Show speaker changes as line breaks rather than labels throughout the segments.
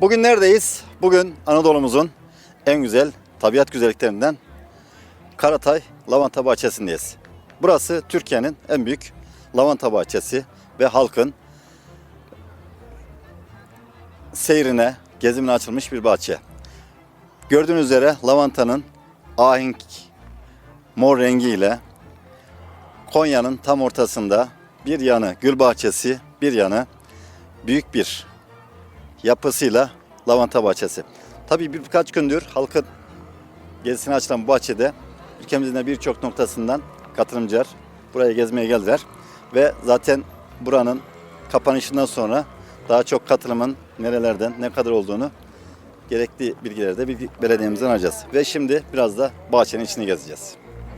Bugün neredeyiz? Bugün Anadolu'muzun en güzel tabiat güzelliklerinden Karatay Lavanta Bahçesi'ndeyiz. Burası Türkiye'nin en büyük lavanta bahçesi ve halkın seyrine, gezimine açılmış bir bahçe. Gördüğünüz üzere lavantanın ahenk mor rengiyle Konya'nın tam ortasında bir yanı gül bahçesi, bir yanı büyük bir yapısıyla lavanta bahçesi. Tabii birkaç gündür halkın gezisine açılan bu bahçede ülkemizin de birçok noktasından katılımcılar buraya gezmeye geldiler. Ve zaten buranın kapanışından sonra daha çok katılımın nerelerden ne kadar olduğunu gerekli bilgileri de belediyemizden alacağız. Ve şimdi biraz da bahçenin içini gezeceğiz.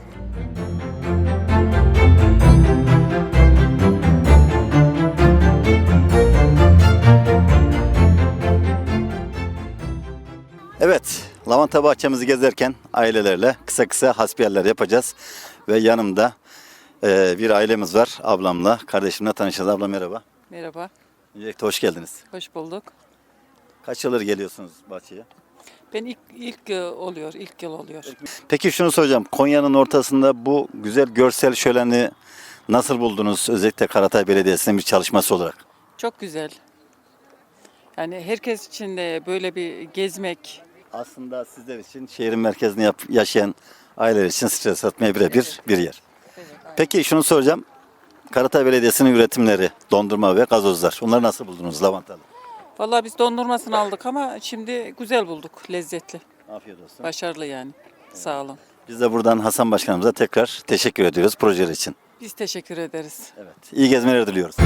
Evet, lavanta bahçemizi gezerken ailelerle kısa kısa hasbiyeller yapacağız. Ve yanımda bir ailemiz var. Ablamla, kardeşimle tanışacağız. Abla merhaba.
Merhaba,
Öncelikle hoş geldiniz.
hoş bulduk.
Kaç yıldır geliyorsunuz bahçeye?
Ben ilk yıl oluyor.
Peki şunu soracağım. Konya'nın ortasında bu güzel görsel şöleni nasıl buldunuz? Özellikle Karatay Belediyesi'nin bir çalışması olarak.
Çok güzel. Yani herkes için de böyle bir gezmek,
Aslında sizler için şehrin merkezinde yaşayan aileler için stres atmaya birebir bir yer. Peki şunu soracağım. Karatay Belediyesi'nin üretimleri, dondurma ve gazozlar. Onları nasıl buldunuz lavantalı?
vallahi biz dondurmasını aldık ama şimdi güzel bulduk, lezzetli,
Afiyet olsun.
başarılı yani. Sağ olun.
Biz de buradan Hasan Başkanımıza tekrar teşekkür ediyoruz projeler için.
Biz teşekkür ederiz.
Evet. İyi gezmeler diliyoruz.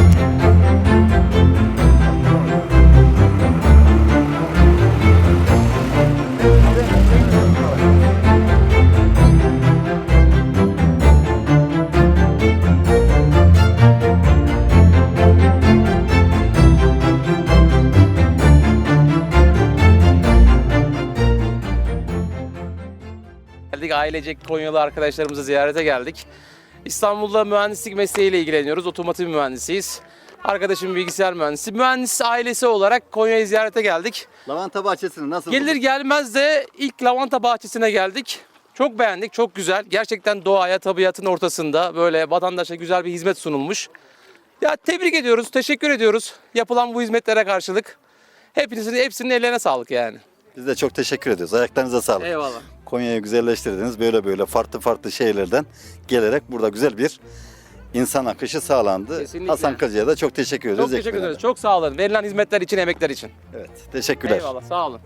Geldik, ailecek Konyalı arkadaşlarımızı ziyarete geldik. İstanbul'da mühendislik mesleğiyle ilgileniyoruz. Otomotiv mühendisiyiz. Arkadaşım bilgisayar mühendisi. Mühendis ailesi olarak Konya'yı ziyarete geldik.
Lavanta bahçesini nasıl
Gelir
buldunuz?
gelmez de ilk lavanta bahçesine geldik. Çok beğendik, çok güzel. Gerçekten doğaya, tabiatın ortasında böyle vatandaşa güzel bir hizmet sunulmuş. Ya tebrik ediyoruz, teşekkür ediyoruz yapılan bu hizmetlere karşılık. Hepsinin ellerine sağlık yani.
Biz de çok teşekkür ediyoruz. Ayaklarınıza sağlık.
Eyvallah.
Konya'yı güzelleştirdiniz. Böyle farklı şehirlerden gelerek burada güzel bir insan akışı sağlandı.
Kesinlikle.
Hasan Kacı'ya da çok teşekkür ediyoruz.
Çok teşekkür
ekmeğine
ederiz.
de.
Çok sağ olun. Verilen hizmetler için, emekler için.
Evet, teşekkürler.
Eyvallah, sağ olun.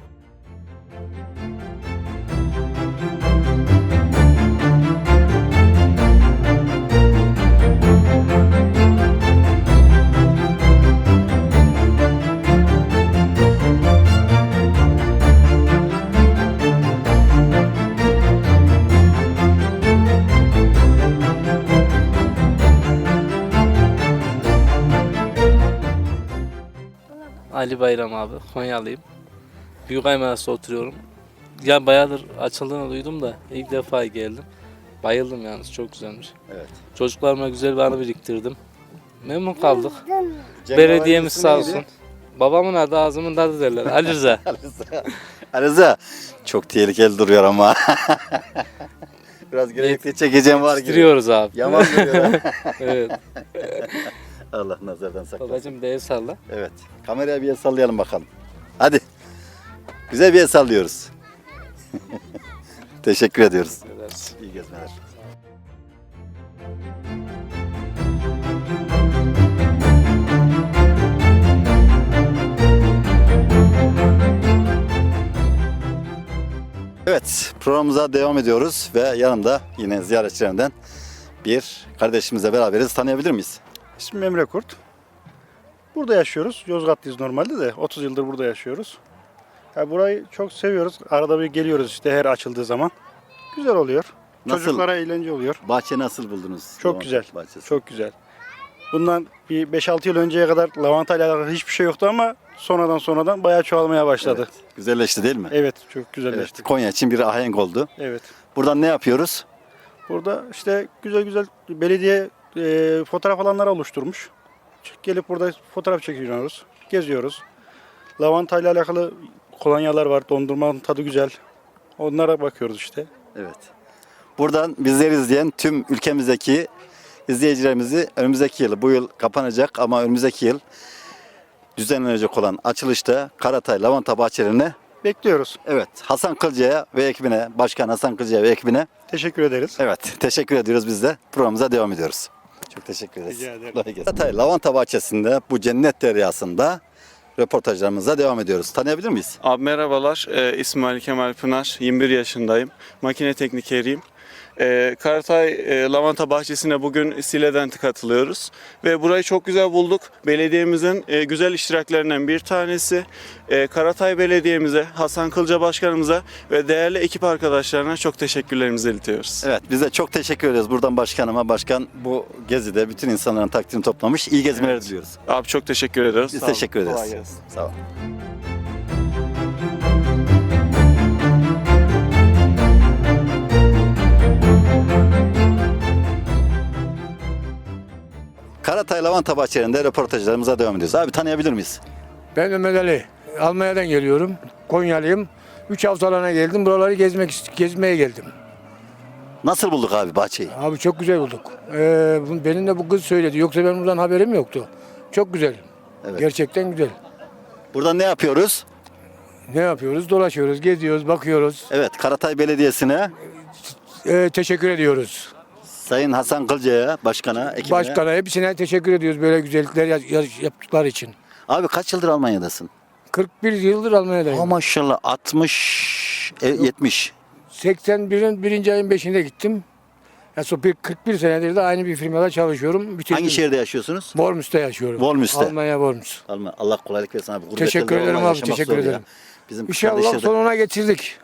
Ali Bayram abi, Konyalıyım. Büyükaymanas'ta oturuyorum. Ya bayağıdır açıldığını duydum da ilk defa geldim. Bayıldım yalnız, çok güzelmiş.
Evet.
Çocuklarıma güzel bir anı biriktirdim. Memnun kaldık.
Cenk
Belediyemiz
Havayı
sağ
ismi neydi?
olsun. Babamın adı ağzımın tadı derler. Ali Rıza.
Arıza. Çok tehlikeli duruyor ama. Biraz gerekli çekeceğim var gibi.
Yetiştiriyoruz abi.
Yaman duruyor.
Evet.
Allah nazardan saklasın.
Babacım bir el salla.
Evet. Kameraya bir el sallayalım bakalım. Hadi. Güzel bir el sallıyoruz. Teşekkür ediyoruz. İyi gezmeler. Evet, programımıza devam ediyoruz ve yanımda yine ziyaretçilerinden bir kardeşimizle beraberiz. Tanıyabilir miyiz?
İsmim Emre Kurt. Burada yaşıyoruz. Yozgatlıyız normalde de 30 yıldır burada yaşıyoruz. Ya burayı çok seviyoruz. Arada bir geliyoruz işte her açıldığı zaman. Güzel oluyor.
Nasıl?
Çocuklara eğlence oluyor.
Bahçe nasıl buldunuz?
Çok
Lavanta
güzel.
bahçesi.
Çok güzel. Bundan bir 5-6 yıl önceye kadar lavanta ile alakalı hiçbir şey yoktu ama sonradan bayağı çoğalmaya başladı.
Evet, güzelleşti değil mi?
Evet, çok
Evet,
güzelleşti.
Konya için bir ahenk oldu.
Evet.
Buradan ne yapıyoruz?
Burada işte güzel belediye fotoğraf alanları oluşturmuş. Gelip burada fotoğraf çekiyoruz, geziyoruz. Lavanta ile alakalı kolonyalar var. Dondurmanın tadı güzel. Onlara bakıyoruz işte.
Evet. Buradan bizleri izleyen tüm ülkemizdeki izleyicilerimizi önümüzdeki yıl, bu yıl kapanacak ama önümüzdeki yıl düzenlenecek olan açılışta Karatay Lavanta Bahçelerine,
Bekliyoruz.
evet, Hasan Kılca'ya ve ekibine, Başkan Hasan Kılca'ya ve ekibine,
Teşekkür ederiz.
evet, teşekkür ediyoruz, biz de programımıza devam ediyoruz. Çok teşekkür ederiz.
Rica ederim.
Kolay gelsin. Karatay Lavanta Bahçesi'nde bu cennet deryasında röportajlarımıza devam ediyoruz. Tanıyabilir miyiz?
Abi merhabalar, ismim Ali Kemal Pınar, 21 yaşındayım, makine teknikeriyim. Karatay Lavanta Bahçesi'ne bugün Sile'den katılıyoruz ve burayı çok güzel bulduk. Belediyemizin güzel iştiraklerinden bir tanesi. Karatay Belediye'mize, Hasan Kılca Başkanımıza ve değerli ekip arkadaşlarına çok teşekkürlerimizi iletiyoruz.
Evet, biz de çok teşekkür ediyoruz buradan başkanıma. Başkan bu gezide bütün insanların takdirini toplamış. İyi gezmeler diliyoruz.
Abi çok teşekkür ediyoruz.
Biz
Sağ olun.
teşekkür ederiz.
Kolay gelsin.
Sağ ol. Karatay Lavanta Bahçelerinde röportajlarımıza devam ediyoruz. Abi tanıyabilir miyiz?
Ben Mehmet Ali. Almanya'dan geliyorum. Konyalıyım. 3 haftalığına geldim. Buraları gezmeye geldim.
Nasıl bulduk abi bahçeyi?
Abi çok güzel bulduk. Benim de bu kız söyledi. Yoksa benim buradan haberim yoktu. Çok güzel.
Evet.
Gerçekten güzel.
Burada ne yapıyoruz?
Ne yapıyoruz? Dolaşıyoruz, geziyoruz, bakıyoruz.
Evet, Karatay Belediyesi'ne,
Teşekkür ediyoruz.
Sayın Hasan Kılca'ya, başkana, ekibine.
Başkana hepsine teşekkür ediyoruz böyle güzellikler yaptıkları için.
Abi kaç yıldır Almanya'dasın?
41 yıldır Almanya'dayım.
Oh maşallah 60, 70.
81'in 1. ayın 5'inde gittim. Yani 41 senedir de aynı bir firmada çalışıyorum. Bitirdim.
Hangi şehirde yaşıyorsunuz?
Worms'te yaşıyorum.
Worms'te.
Almanya Worms.
Allah kolaylık versin abi. Gurbette
Teşekkür
de
ederim
vallahi
abi,
yaşamak
teşekkür
zor ya.
ederim.
Bizim
İnşallah
kardeşler de-
sonuna getirdik.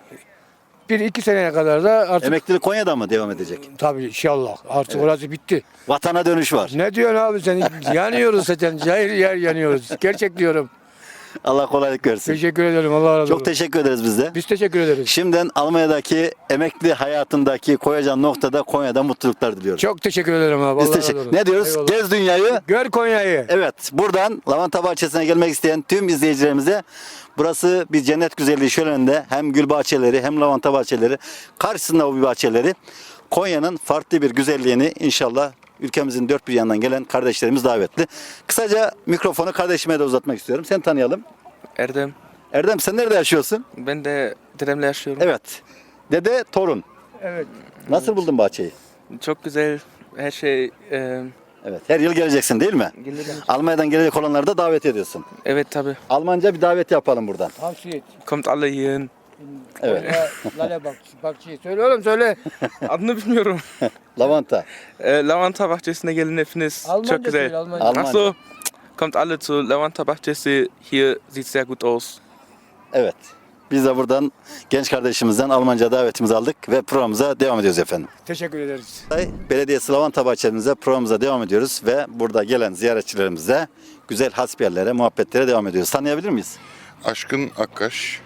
1-2 seneye kadar da artık
Emeklilik Konya'da mı devam edecek?
tabii inşallah artık orası bitti.
Vatana dönüş var.
Ne diyorsun abi sen? Yanıyoruz zaten. Cahil yer yanıyoruz. Gerçek diyorum.
Allah kolaylık versin.
Teşekkür ederim. Allah razı olsun.
Çok teşekkür ederiz biz de.
Biz teşekkür ederiz.
Şimdiden Almanya'daki emekli hayatındaki koyacağın noktada Konya'da mutluluklar diliyoruz.
Çok teşekkür ederim abi.
Biz
Allah razı
teşekkür.
olsun.
Ne diyoruz?
Eyvallah.
Gez dünyayı.
Gör Konya'yı.
Evet, buradan Lavanta Bahçesi'ne gelmek isteyen tüm izleyicilerimize, burası bir cennet güzelliği şöleninde, hem gül bahçeleri hem lavanta bahçeleri, karşısında o bir bahçeleri, Konya'nın farklı bir güzelliğini inşallah ülkemizin dört bir yanından gelen kardeşlerimiz davetli. Kısaca mikrofonu kardeşime de uzatmak istiyorum. Seni tanıyalım.
Erdem.
Erdem, sen nerede yaşıyorsun?
Ben de dedemle yaşıyorum.
Evet. Dede, torun.
Evet.
Nasıl buldun bahçeyi?
Çok güzel. Her şey
Evet. Her yıl geleceksin değil mi?
gelirim.
Almanya'dan gelecek olanları da davet ediyorsun.
Evet tabi.
Almanca bir davet yapalım buradan.
Tavsiye et.
Kommt alle hierhin.
Evet.
Lale bakçıyı. Söyle oğlum söyle.
Adını bilmiyorum.
Lavanta.
Lavanta Bahçesi'ne gelin hepiniz.
Almanca
Çok güzel.
söyle Almanca.
Almanca.
Ach so. Kommt alle zu Lavanta Bahçesi. Hier sieht sehr gut aus.
Evet. Biz de buradan genç kardeşimizden Almanca davetimizi aldık ve programımıza devam ediyoruz efendim.
Teşekkür ederiz.
Belediyesi Lavanta Bahçemize programımıza devam ediyoruz ve burada gelen ziyaretçilerimize güzel hasbiyerlere, muhabbetlere devam ediyoruz. Tanıyabilir miyiz?
Aşkın Akkaş.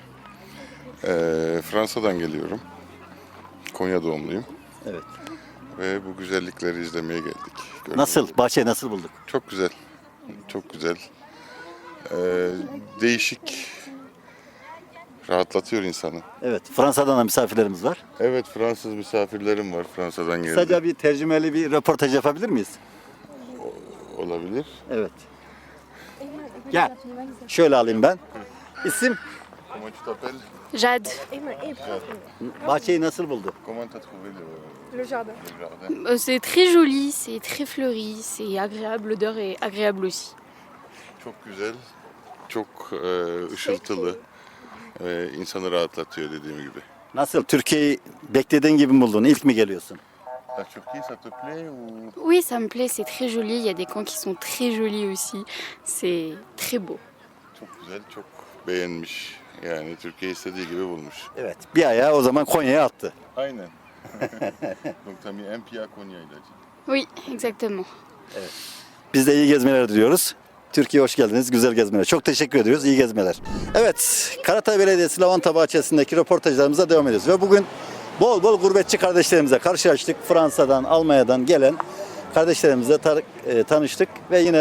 Fransa'dan geliyorum. Konya doğumluyum.
Evet.
Ve bu güzellikleri izlemeye geldik. Gördüğünüz
Nasıl?
gibi.
Bahçeyi nasıl bulduk?
Çok güzel. Çok güzel. Değişik. Rahatlatıyor insanı.
Evet. Fransa'dan da misafirlerimiz var.
Evet, Fransız misafirlerim var. Fransa'dan geldi.
Kısaca bir tercümeli bir röportaj yapabilir miyiz?
Olabilir.
Evet. Gel. Şöyle alayım ben. İsim?
Comment tu t'appelles?
Jade.
Bahçeyi nasıl buldu?
Comment t'as trouvé le jardin?
C'est très joli, c'est très fleuri, c'est agréable, l'odeur est agréable aussi.
Çok güzel. Çok ışıltılı. İnsanı rahatlatıyor dediğim gibi.
Nasıl? Türkiye'yi beklediğin gibi mi buldun? İlk mi geliyorsun?
La Turquie, ça te plaît ou...
Oui, ça me plaît, c'est très joli. Il y a des coins qui sont très jolis aussi. C'est très beau.
Çok güzel, çok beğenmiş. Yani Türkiye istediği gibi bulmuş.
Evet. Bir ayağı o zaman Konya'ya attı.
Aynen. Donc t'as mis un pied à Konya, il a dit.
Oui, exactement.
Biz de iyi gezmeler diliyoruz. Türkiye'ye hoş geldiniz. Güzel gezmeler. Çok teşekkür ediyoruz. İyi gezmeler. Evet. Karatay Belediyesi Lavanta Bahçesi'ndeki röportajlarımıza devam ediyoruz. Ve bugün bol bol gurbetçi kardeşlerimize karşılaştık. Fransa'dan, Almanya'dan gelen kardeşlerimizle tanıştık. Ve yine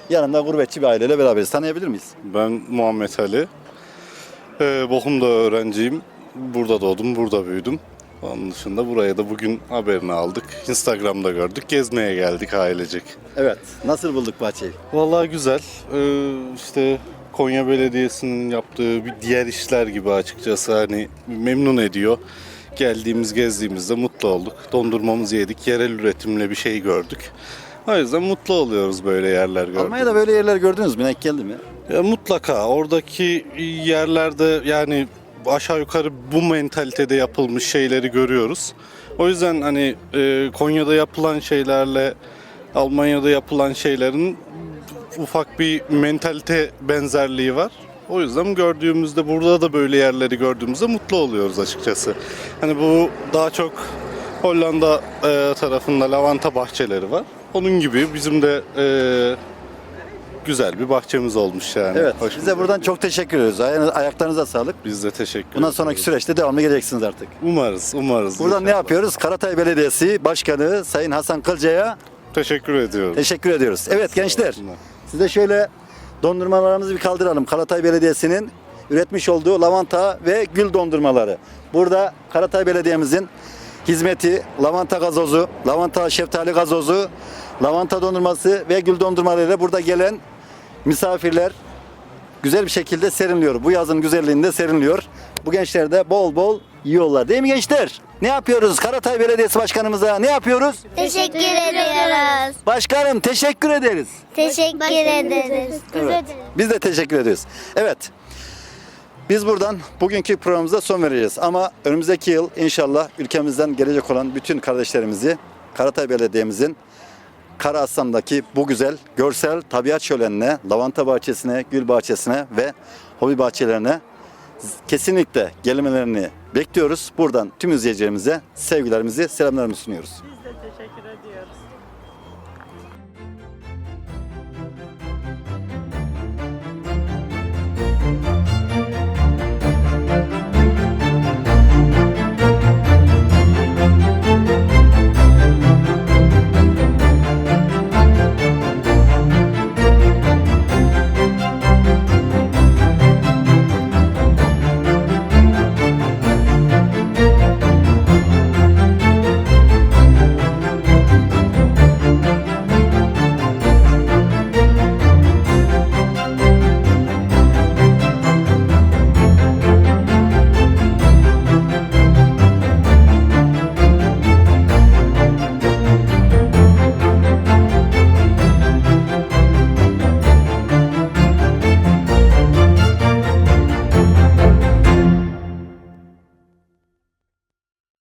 Yanımda gurbetçi bir aileyle beraberiz. Tanıyabilir miyiz?
Ben Muhammed Ali. Bochum'da öğrenciyim. Burada doğdum, burada büyüdüm. Onun dışında buraya da bugün haberini aldık. Instagram'da gördük. Gezmeye geldik ailecek.
Evet. Nasıl bulduk bahçeyi?
Vallahi güzel. İşte Konya Belediyesi'nin yaptığı bir diğer işler gibi açıkçası hani memnun ediyor. Geldiğimiz, gezdiğimizde mutlu olduk. Dondurmamızı yedik, yerel üretimle bir şey gördük. O yüzden mutlu oluyoruz böyle yerler gördük.
Almanya'da böyle yerler gördünüz mü? Denk geldi mi?
Ya mutlaka oradaki yerlerde yani aşağı yukarı bu mentalitede yapılmış şeyleri görüyoruz. O yüzden hani Konya'da yapılan şeylerle Almanya'da yapılan şeylerin ufak bir mentalite benzerliği var. O yüzden gördüğümüzde burada da böyle yerleri gördüğümüzde mutlu oluyoruz açıkçası. Hani bu daha çok Hollanda tarafında lavanta bahçeleri var. Onun gibi bizim de güzel bir bahçemiz olmuş yani.
Evet.
Hoşumuza
Size buradan
gidiyor.
çok teşekkür ediyoruz. Ayaklarınıza sağlık.
Biz de teşekkür
Bundan sonraki
ederiz.
süreçte devamlı geleceksiniz artık.
Umarız.
Buradan ne
inşallah.
yapıyoruz? Karatay Belediyesi Başkanı Sayın Hasan Kılca'ya
Teşekkür ediyorum.
teşekkür ediyoruz. Evet gençler,
olsunlar.
size şöyle dondurmalarımızı bir kaldıralım. Karatay Belediyesi'nin üretmiş olduğu lavanta ve gül dondurmaları. Burada Karatay Belediye'mizin hizmeti lavanta gazozu, lavanta şeftali gazozu, lavanta dondurması ve gül dondurmalarıyla burada gelen misafirler güzel bir şekilde serinliyor. Bu yazın güzelliğinde serinliyor. Bu gençler de bol bol yiyorlar. Değil mi gençler? Ne yapıyoruz? Karatay Belediyesi Başkanımıza ne yapıyoruz?
Teşekkür ediyoruz.
Başkanım teşekkür ederiz.
Teşekkür ederiz.
Evet. Biz de teşekkür ediyoruz. Evet. Biz buradan bugünkü programımıza son vereceğiz. Ama önümüzdeki yıl inşallah ülkemizden gelecek olan bütün kardeşlerimizi Karatay Belediye'mizin Karaaslan'daki bu güzel görsel tabiat şölenine, lavanta bahçesine, gül bahçesine ve hobi bahçelerine kesinlikle gelmelerini bekliyoruz. Buradan tüm izleyicilerimize sevgilerimizi, selamlarımızı sunuyoruz.